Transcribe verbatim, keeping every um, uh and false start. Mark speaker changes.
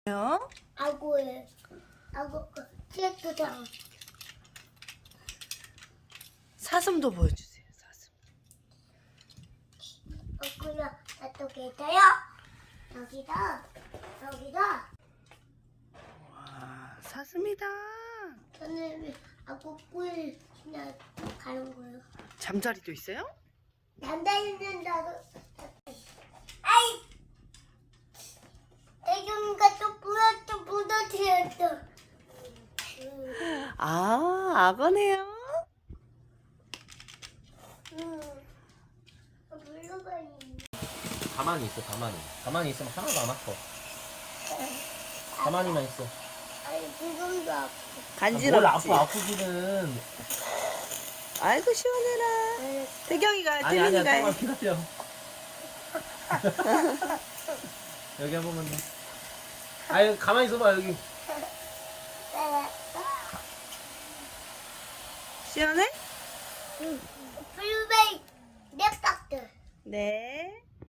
Speaker 1: 요?
Speaker 2: 아구에 아구 체크장
Speaker 1: 사슴도 보여주세요. 사슴.
Speaker 2: 아구야 저쪽에 있어요. 여기다 여기다
Speaker 1: 와, 사슴이다.
Speaker 2: 저는 아구 꿀 그냥 가는 거예요.
Speaker 1: 잠자리도 있어요?
Speaker 2: 남자있는다고 아이 애경이가 또 부러 또 부러뜨렸어.
Speaker 1: 아, 악어네요.
Speaker 2: 응. 물러가 있네.
Speaker 3: 가만히 있어, 가만히. 가만히 있으면 하나도 안 아파. 가만히만 있어.
Speaker 2: 아니 지금도 아파.
Speaker 3: 뭘
Speaker 1: 간지럽지?
Speaker 3: 아파, 아프기는.
Speaker 1: 아이고 시원해라. 태경이가
Speaker 3: 아니, 아니야,
Speaker 1: 태민이가
Speaker 3: 조금만 기다려. 여기 한 번만 더. 아유, 가만히 있어봐, 여기.
Speaker 1: 시원해?
Speaker 2: 블루베리 네 박스.
Speaker 1: 네.